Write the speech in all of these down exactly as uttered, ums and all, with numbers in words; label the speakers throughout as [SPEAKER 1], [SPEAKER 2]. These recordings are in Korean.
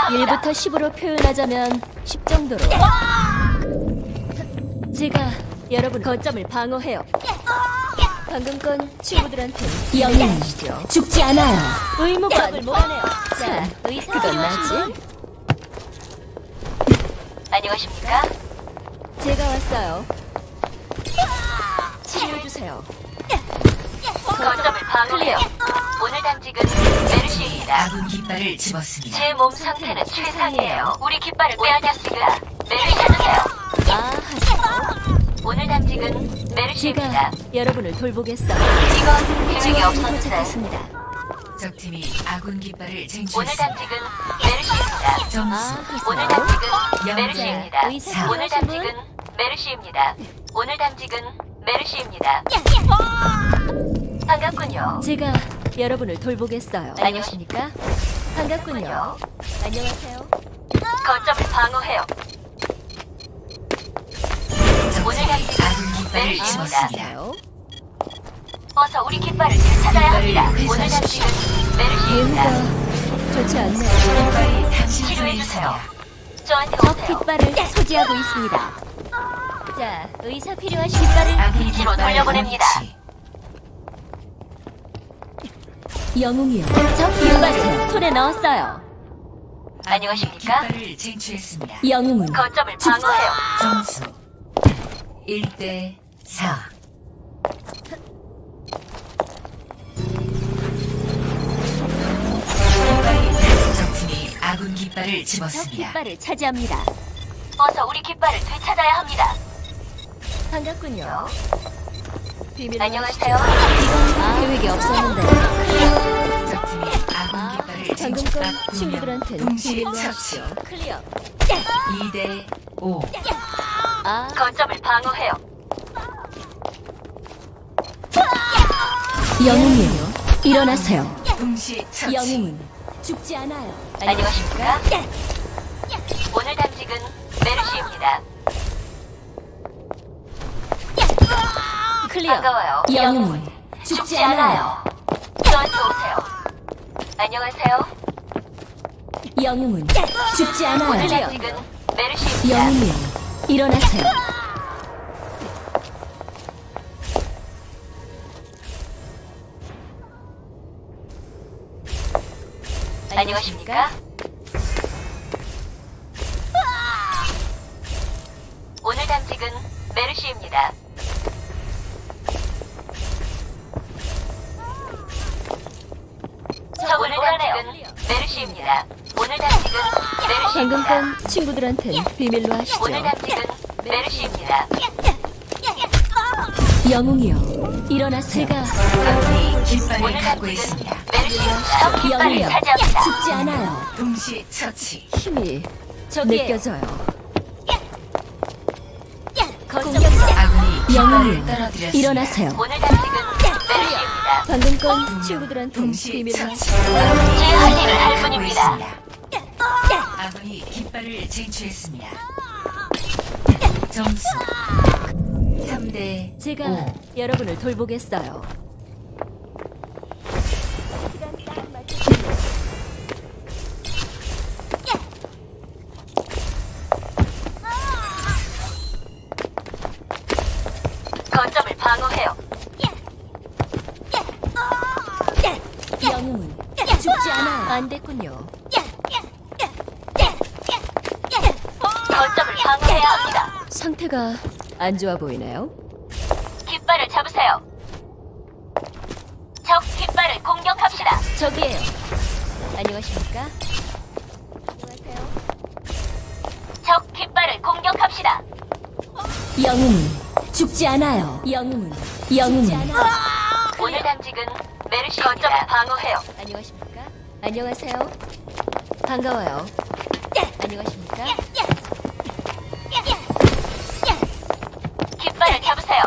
[SPEAKER 1] 일부터 십으로 표현하자면 십 정도로. 제가 여러분 거점을 방어해요. 방금 건 친구들한테
[SPEAKER 2] 영웅
[SPEAKER 1] 하시죠.
[SPEAKER 2] 죽지 않아요.
[SPEAKER 1] 의무가 몰아내요. 자,
[SPEAKER 2] 의사
[SPEAKER 1] 그건 나지.
[SPEAKER 3] 안녕하십니까?
[SPEAKER 1] 제가 왔어요. 치료해주세요.
[SPEAKER 3] 거점을 방어해요. 오늘 당직은 메르시입니다.
[SPEAKER 4] 아군 깃발을 집었습니다.
[SPEAKER 3] 제 몸 상태는 최상이에요. 우리 깃발을 빼앗았습니다. 메르시 찾으세요.
[SPEAKER 1] 아, 하세요.
[SPEAKER 3] 오늘 당직은 메르시입니다.
[SPEAKER 1] 제가 여러분을 돌보겠어요.
[SPEAKER 3] 이건 계획이
[SPEAKER 1] 지원이
[SPEAKER 3] 없었는데
[SPEAKER 1] 도착했습니다.
[SPEAKER 4] 적팀이 아군 깃발을
[SPEAKER 3] 오늘
[SPEAKER 4] 쟁취했습니다.
[SPEAKER 3] 당직은 메르시입니다.
[SPEAKER 4] 점수
[SPEAKER 1] 아,
[SPEAKER 3] 오늘
[SPEAKER 1] 하세요.
[SPEAKER 3] 당직은
[SPEAKER 4] 영자,
[SPEAKER 3] 메르시입니다.
[SPEAKER 1] 의사
[SPEAKER 3] 오늘
[SPEAKER 1] 필요하신
[SPEAKER 3] 당직은 메르시입니다. 오늘 당직은 메르시입니다. 반갑군요.
[SPEAKER 1] 제가 여러분을 돌보겠어요. 안녕하십니까? 반갑군요. 안녕하세요.
[SPEAKER 3] 거점을 방어해요. 오늘 당직은
[SPEAKER 4] 아군 깃발을
[SPEAKER 3] 메르시입니다.
[SPEAKER 4] 집었습니다.
[SPEAKER 1] 아세요?
[SPEAKER 3] 어서 우리 깃발을 되찾아야 합니다. 오늘 당직은 메르시입니다.
[SPEAKER 1] 예후가 좋지 않네요.
[SPEAKER 4] 깃발이 당신을
[SPEAKER 3] 치료해주세요.
[SPEAKER 4] 위했습니다.
[SPEAKER 3] 저한테
[SPEAKER 1] 적
[SPEAKER 3] 오세요.
[SPEAKER 1] 깃발을 소지하고 있습니다. 자, 의사 필요하신 깃발을
[SPEAKER 4] 아군
[SPEAKER 3] 뒤로
[SPEAKER 4] 깃발
[SPEAKER 3] 돌려보냅니다.
[SPEAKER 4] 원위치.
[SPEAKER 1] 영웅이요. 적 깃발을 손에 넣었어요.
[SPEAKER 3] 안녕하십니까?
[SPEAKER 4] 깃발을 쟁취했습니다.
[SPEAKER 1] 영웅은
[SPEAKER 3] 거점을 방어해요.
[SPEAKER 4] 점수 일 대 사. 적팀이 아군 깃발을
[SPEAKER 1] 적
[SPEAKER 4] 집었습니다.
[SPEAKER 1] 깃발을 차지합니다.
[SPEAKER 3] 어서 우리 깃발을 되찾아야 합니다.
[SPEAKER 1] 반갑군요. 비밀로
[SPEAKER 3] 안녕하세요.
[SPEAKER 1] 하시죠. 아, 계획이 없었는데.
[SPEAKER 4] 적팀이 아군
[SPEAKER 1] 아,
[SPEAKER 4] 깃발을
[SPEAKER 1] 방금
[SPEAKER 4] 쟁취.
[SPEAKER 1] 건 친구들한테
[SPEAKER 4] 동시
[SPEAKER 1] 비밀로
[SPEAKER 4] 처치.
[SPEAKER 1] 하시죠. 클리어.
[SPEAKER 4] 이 대 오.
[SPEAKER 1] 아,
[SPEAKER 3] 거점을 방어해요.
[SPEAKER 1] 영웅이요. 일어나세요.
[SPEAKER 4] 동시 처치.
[SPEAKER 1] 영웅은 죽지 않아요.
[SPEAKER 3] 안녕하십니까? 오늘 당직은 메르시입니다.
[SPEAKER 1] 클리어.
[SPEAKER 3] 반가워요.
[SPEAKER 1] 영웅은
[SPEAKER 3] 죽지 않아요. 저한테 오세요. 안녕하세요.
[SPEAKER 1] 영웅은 죽지
[SPEAKER 3] 오늘
[SPEAKER 1] 않아요.
[SPEAKER 3] 당직은 메르시입니다.
[SPEAKER 1] 영웅이요. 일어나세요.
[SPEAKER 3] 안녕하십니까? 오늘 당직은 메르시입니다. 오늘 당직은 메르시입니다. 오늘 당직은
[SPEAKER 1] 방금
[SPEAKER 3] 메르시입니다.
[SPEAKER 1] 건 친구들한텐 비밀로 하시죠.
[SPEAKER 3] 오늘 당직은 메르시입니다.
[SPEAKER 1] 영웅이요. 일어나세요. 제가
[SPEAKER 4] 아군이 깃발을
[SPEAKER 3] 오늘
[SPEAKER 4] 갖고
[SPEAKER 3] 당직은
[SPEAKER 4] 있습니다.
[SPEAKER 3] 메르시입니다. 깃발을
[SPEAKER 1] 영웅이요.
[SPEAKER 3] 차지합니다.
[SPEAKER 1] 죽지 않아요.
[SPEAKER 4] 동시 처치.
[SPEAKER 1] 힘이
[SPEAKER 3] 저기에요.
[SPEAKER 1] 느껴져요.
[SPEAKER 3] 공격자.
[SPEAKER 4] 아군이
[SPEAKER 1] 영웅이요.
[SPEAKER 4] 깃발을 떨어뜨렸습니다.
[SPEAKER 1] 일어나세요.
[SPEAKER 3] 오늘 당직은 메르시입니다.
[SPEAKER 1] 방금 건 친구들한텐
[SPEAKER 4] 동시
[SPEAKER 1] 비밀로
[SPEAKER 4] 처치.
[SPEAKER 1] 하시죠.
[SPEAKER 3] 제 할 일을 할
[SPEAKER 4] 갖고
[SPEAKER 3] 뿐입니다.
[SPEAKER 4] 있습니다. 아군이 깃발을 쟁취했습니다. 점수 삼 대
[SPEAKER 1] 제가
[SPEAKER 4] 오.
[SPEAKER 1] 여러분을 돌보겠어요.
[SPEAKER 3] 거점을 방어해요.
[SPEAKER 1] 영웅은 죽지 않아요. 안 됐군요.
[SPEAKER 3] 거점을 방어해야 합니다.
[SPEAKER 1] 상태가 안 좋아 보이네요.
[SPEAKER 3] 깃발을 잡으세요. 적 깃발을 공격합시다.
[SPEAKER 1] 저기에요. 안녕하십니까? 안녕하세요.
[SPEAKER 3] 적 깃발을 공격합시다.
[SPEAKER 1] 영웅은 죽지 않아요. 영웅은 영웅은
[SPEAKER 3] 오늘 당직은 메르시입니다. 거점을 방어해요.
[SPEAKER 1] 안녕하십니까? 안녕하세요. 반가워요. 안녕하십니까?
[SPEAKER 3] 깃발을 잡으세요.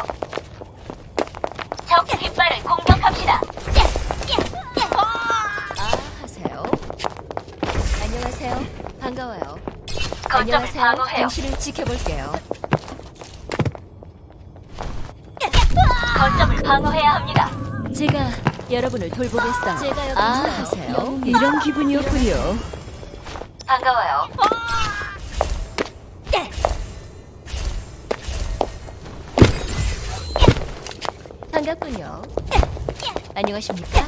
[SPEAKER 3] 적 깃발을 공격합시다.
[SPEAKER 1] 아, 하세요. 안녕하세요. 반가워요.
[SPEAKER 3] 거점을
[SPEAKER 1] 안녕하세요.
[SPEAKER 3] 방어해요.
[SPEAKER 1] 당신을 지켜볼게요.
[SPEAKER 3] 거점을 방어해야 합니다.
[SPEAKER 1] 제가 여러분을 돌보겠어요. 제가 여기
[SPEAKER 2] 아,
[SPEAKER 1] 있어요. 하세요. 이런 기분이었군요.
[SPEAKER 3] 반가워요.
[SPEAKER 1] 반갑군요. 안녕하십니까?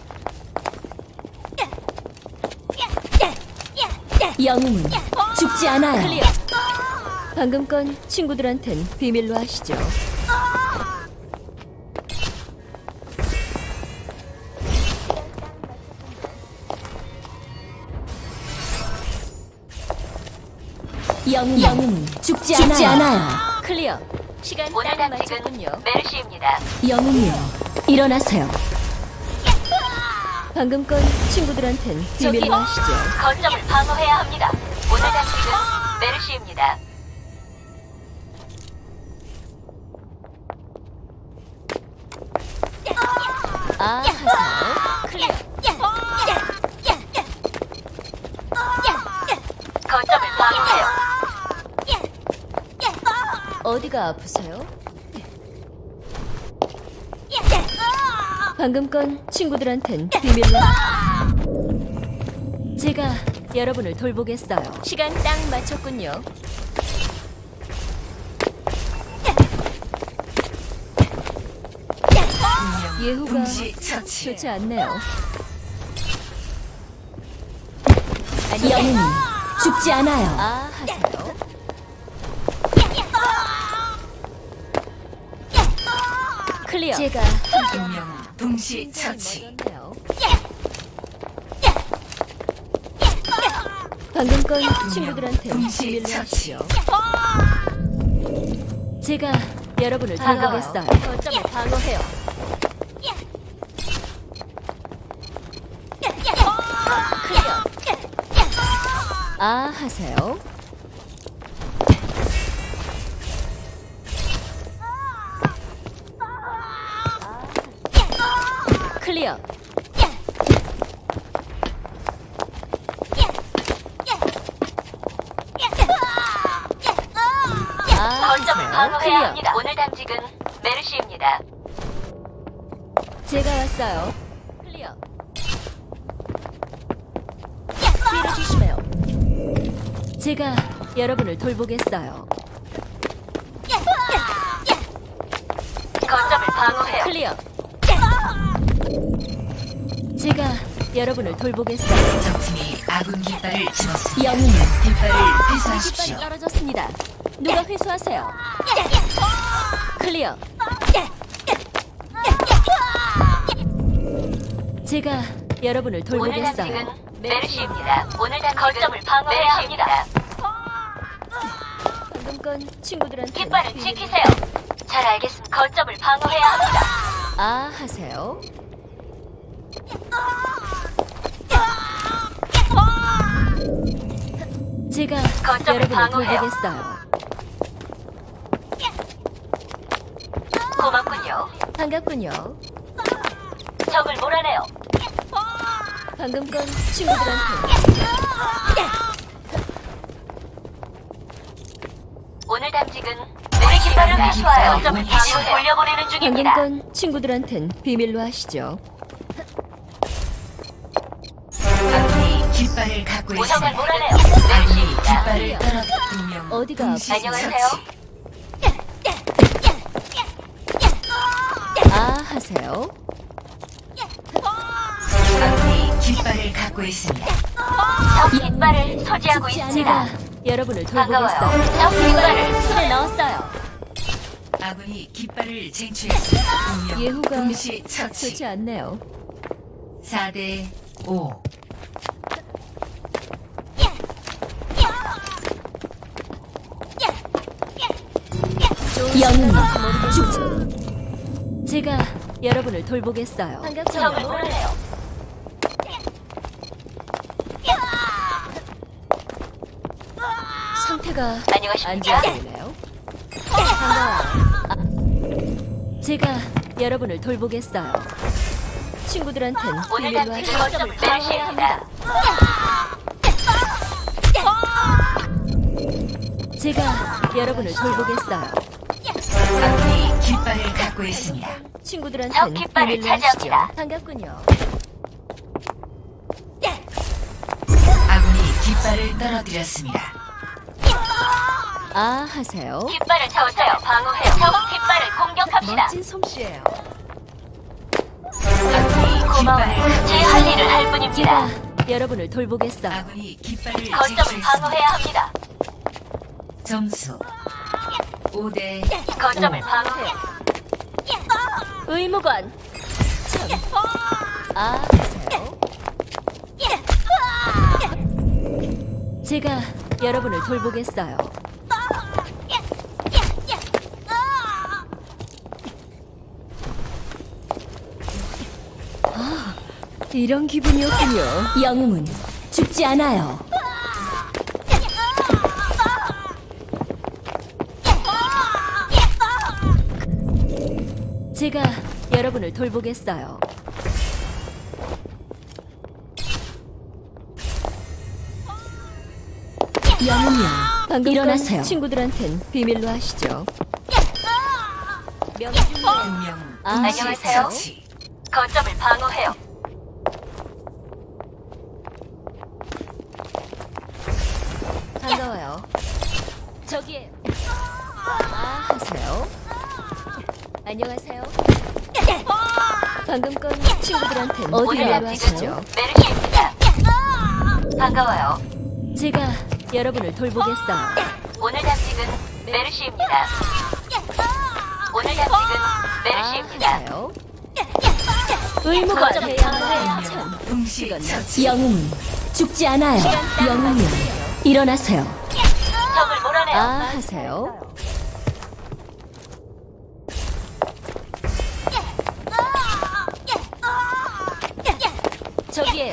[SPEAKER 1] 영웅은 죽지 않아요. 클리어. 방금 건 친구들한텐 비밀로 하시죠. 영웅, 영웅은 죽지, 죽지 않아요. 않아요. 클리어. 시간
[SPEAKER 3] 오늘
[SPEAKER 1] 딱
[SPEAKER 3] 당직은
[SPEAKER 1] 맞췄군요.
[SPEAKER 3] 메르시입니다.
[SPEAKER 1] 영웅이요, 일어나세요. 방금 건 친구들한텐 비밀로 하시죠.
[SPEAKER 3] 거점을 방어해야 합니다. 오늘 당직은 메르시입니다.
[SPEAKER 1] 아, 하세요. 클리어.
[SPEAKER 3] 거점을 방어해요.
[SPEAKER 1] 어디가 아프세요? 방금 건 친구들한텐 비밀로. 제가 여러분을 돌보겠어요. 시간 딱 맞췄군요.
[SPEAKER 4] 운명
[SPEAKER 1] 예후가
[SPEAKER 4] 동시 처치.
[SPEAKER 1] 좋지 않네요. 영웅은 죽지 않아요. 아, 하세요. 클리어. 제가
[SPEAKER 4] 운명 동시 처치.
[SPEAKER 1] 맞았네요. 방금 건 친구들한테
[SPEAKER 4] 동시
[SPEAKER 1] 비밀로
[SPEAKER 4] 처치.
[SPEAKER 1] 하시죠. 제가 여러분을
[SPEAKER 3] 반가워요.
[SPEAKER 1] 돌보겠어요. 거점을 방어해요. 클리어. 아, 하세요. 클리어. 아,
[SPEAKER 3] 거점을
[SPEAKER 1] 하세요.
[SPEAKER 3] 방어해야
[SPEAKER 1] 클리어.
[SPEAKER 3] 합니다. 오늘 당직은 메르시입니다.
[SPEAKER 1] 제가 왔어요. 클리어. 뒤로 조심해요. 제가 여러분을 돌보겠어요.
[SPEAKER 3] 거점을 방어해요.
[SPEAKER 1] 클리어. 제가 여러분을 돌보겠어요.
[SPEAKER 4] 적팀이 아군 깃발을 집었습니다.
[SPEAKER 1] 영웅은
[SPEAKER 4] 깃발을
[SPEAKER 1] 깃발이
[SPEAKER 4] 회수하십시오.
[SPEAKER 1] 떨어졌습니다. 누가 회수하세요? 클리어. 제가 여러분을
[SPEAKER 3] 오늘
[SPEAKER 1] 돌보겠어요.
[SPEAKER 3] 당직은 메르시입니다. 오늘 당 거점을 방어해야 합니다.
[SPEAKER 1] 방금 건 친구들한테
[SPEAKER 3] 깃발을
[SPEAKER 1] 비밀-
[SPEAKER 3] 지키세요. 잘 알겠습니다. 거점을 방어해야 합니다.
[SPEAKER 1] 아, 하세요. 제가
[SPEAKER 3] 거점을
[SPEAKER 1] 여러분을
[SPEAKER 3] 방어해요.
[SPEAKER 1] 돌보겠어요.
[SPEAKER 3] 고맙군요.
[SPEAKER 1] 반갑군요.
[SPEAKER 3] 적을 몰아내요.
[SPEAKER 1] 방금 건 친구들한테
[SPEAKER 3] 오늘 당직은 우리 깃발을 회수하여 거점을 다시 돌려보내는
[SPEAKER 1] 방금
[SPEAKER 3] 중입니다.
[SPEAKER 1] 건 친구들한텐 비밀로 하시죠.
[SPEAKER 4] 아군이 깃발을 갖고
[SPEAKER 3] 우성을
[SPEAKER 4] 있습니다.
[SPEAKER 3] 몰아내요.
[SPEAKER 4] 아군이
[SPEAKER 3] 메르시입니다.
[SPEAKER 4] 깃발을 떨어뜨 운명
[SPEAKER 1] 어디가
[SPEAKER 4] 동시
[SPEAKER 3] 안녕하세요.
[SPEAKER 4] 처치.
[SPEAKER 1] 아, 하세요.
[SPEAKER 4] 아군이 깃발을 갖고 있습니다.
[SPEAKER 3] 적 깃발을 소지하고
[SPEAKER 1] 제가
[SPEAKER 3] 있습니다.
[SPEAKER 1] 여러분을
[SPEAKER 3] 반가워요.
[SPEAKER 1] 돌보겠어요.
[SPEAKER 3] 적 깃발을 손에 넣었어요.
[SPEAKER 4] 아군이 깃발을 쟁취했습니다. 운명
[SPEAKER 1] 예후가
[SPEAKER 4] 동시 처치.
[SPEAKER 1] 좋지 않네요.
[SPEAKER 4] 사 대 오.
[SPEAKER 1] 영웅은 죽지. 제가 여러분을 돌보겠어요.
[SPEAKER 3] 적을
[SPEAKER 1] 반갑군요.
[SPEAKER 3] 몰아내요.
[SPEAKER 1] 상태가 안
[SPEAKER 3] 안녕하십니까?
[SPEAKER 1] 좋아 보이네요. 반가워요. 아, 제가 여러분을 돌보겠어요. 친구들한텐
[SPEAKER 3] 오늘
[SPEAKER 1] 비밀로
[SPEAKER 3] 당직은
[SPEAKER 1] 하시죠.
[SPEAKER 3] 거점을 방어해야 합니다.
[SPEAKER 1] 제가 여러분을 돌보겠어요.
[SPEAKER 4] 아군이 깃발을 갖고 있습니다.
[SPEAKER 1] 친구들한텐
[SPEAKER 3] 적 깃발을
[SPEAKER 1] 비밀로 하시죠.
[SPEAKER 3] 차지합니다.
[SPEAKER 1] 반갑군요.
[SPEAKER 4] 아군이 깃발을 깃발을 떨어뜨렸습니다.
[SPEAKER 1] 아, 하세요.
[SPEAKER 3] 깃발을 세우세요. 방어해요. 적 깃발을 공격합시다.
[SPEAKER 1] 멋진 솜씨예요.
[SPEAKER 4] 아군이
[SPEAKER 3] 고마워요.
[SPEAKER 4] 깃발을
[SPEAKER 3] 제 할 일을 할 뿐입니다.
[SPEAKER 1] 제가 여러분을 돌보겠어요.
[SPEAKER 4] 아군이 깃발을
[SPEAKER 3] 거점을
[SPEAKER 4] 쟁취했습니다.
[SPEAKER 3] 방어해야 합니다.
[SPEAKER 4] 점수 오 대
[SPEAKER 3] 거점을 방어해요.
[SPEAKER 1] 의무관. 참. 아, 하세요. 제가 여러분을 돌보겠어요. 아, 이런 기분이었군요. 영웅은 죽지 않아요. 제가 여러분을 돌보겠어요. 영웅이요. 방금 일어나세요. 친구들한텐 비밀로 하시죠. 명중률.
[SPEAKER 4] 운명
[SPEAKER 1] 아,
[SPEAKER 3] 안녕하세요.
[SPEAKER 4] 처치.
[SPEAKER 3] 거점을 방어해요.
[SPEAKER 1] 반가워요. 저기에. 아, 하세요. 안녕하세요. 방금 건 친구들한텐
[SPEAKER 3] 오늘
[SPEAKER 1] 비밀로
[SPEAKER 3] 약직은
[SPEAKER 1] 하시죠.
[SPEAKER 3] 메르시입니다. 반가워요.
[SPEAKER 1] 제가 여러분을 돌보겠어요.
[SPEAKER 3] 오늘 당직은 메르시입니다. 오늘 당직은
[SPEAKER 1] 아,
[SPEAKER 3] 메르시입니다.
[SPEAKER 1] 하세요. 의무가
[SPEAKER 3] 거점을
[SPEAKER 1] 돼야
[SPEAKER 3] 방어해요.
[SPEAKER 1] 참.
[SPEAKER 4] 동시
[SPEAKER 1] 이건
[SPEAKER 4] 처치.
[SPEAKER 1] 영웅은 죽지 않아요. 영웅이요. 일어나세요.
[SPEAKER 3] 적을 몰아내요.
[SPEAKER 1] 아, 하세요. 저기에요.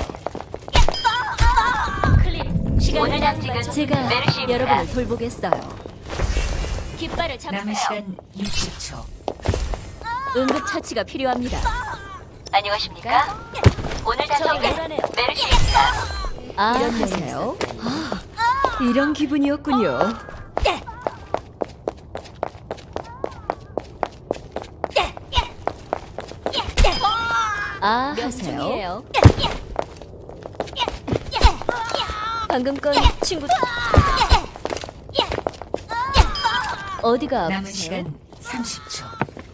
[SPEAKER 1] 클립. 시간
[SPEAKER 3] 오늘 당직은
[SPEAKER 1] 제가
[SPEAKER 3] 메르시입니다.
[SPEAKER 1] 여러분을 돌보겠어요. 깃발을
[SPEAKER 4] 남은
[SPEAKER 1] 잡으세요.
[SPEAKER 4] 시간 육십 초.
[SPEAKER 1] 응급 처치가 필요합니다.
[SPEAKER 3] 안녕하십니까? 오늘
[SPEAKER 1] 저기
[SPEAKER 3] 당직은
[SPEAKER 1] 몰아내요.
[SPEAKER 3] 메르시입니다.
[SPEAKER 1] 아, 하세요. 아, 이런 기분이었군요. 아, 하세요. 방금 건 친구 어디가
[SPEAKER 4] 남은
[SPEAKER 1] 아프세요?
[SPEAKER 4] 시간 삼십 초.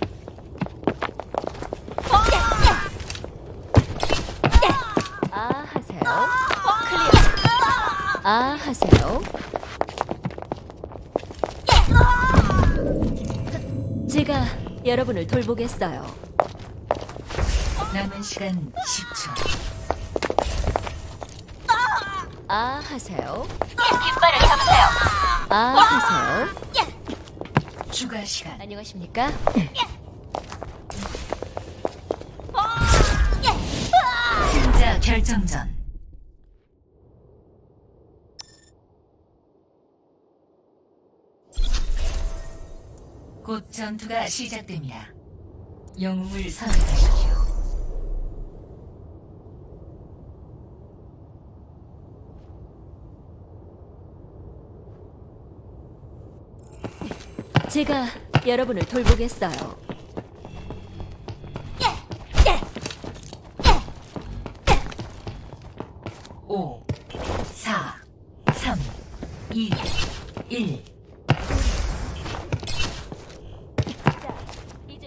[SPEAKER 1] 아, 하세요. 클리어. 아, 하세요. 제가 여러분을 돌보겠어요.
[SPEAKER 4] 남은 시간 십 초.
[SPEAKER 1] 아, 하세요.
[SPEAKER 3] 깃발을 잡으세요.
[SPEAKER 1] 아, 하세요.
[SPEAKER 4] 추가 시간.
[SPEAKER 1] 안녕하십니까?
[SPEAKER 4] 승자 결정전. 곧 전투가 시작됩니다. 영웅을 선택하십시오.
[SPEAKER 1] 제가 여러분을 돌보겠어요.
[SPEAKER 4] 오, 사, 삼, 이, 일.
[SPEAKER 1] 이제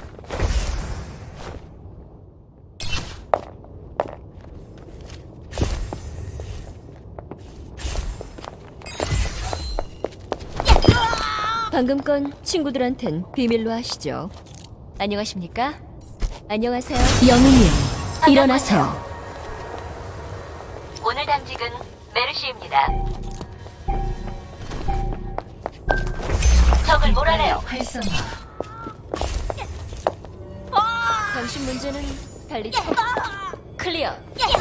[SPEAKER 1] 방금 건 친구들한텐 비밀로 하시죠. 안녕하십니까? 안녕하세요. 영웅이요. 일어나세요.
[SPEAKER 3] 오늘 당직은 메르시입니다. 적을 몰아내요.
[SPEAKER 4] 활성화.
[SPEAKER 1] 당신 문제는 달리 쳐. 클리어.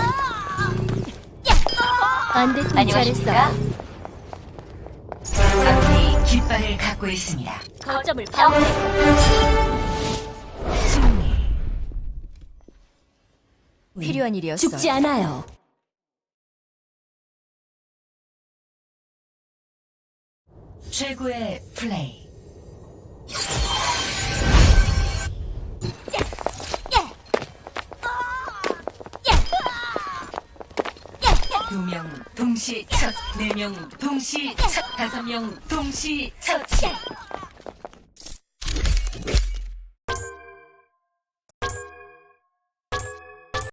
[SPEAKER 1] 안 됐군.
[SPEAKER 3] 안녕하십니까?
[SPEAKER 1] 잘했어요.
[SPEAKER 4] 아군이 깃발을 갖고 있습니다.
[SPEAKER 1] 거점을 방어해.
[SPEAKER 4] 승리.
[SPEAKER 1] 필요한 일이었어요. 죽지 않아요.
[SPEAKER 4] 최고의 플레이. 두 명 동시 첫, 네 명 동시 첫, 다섯 명 동시 처치.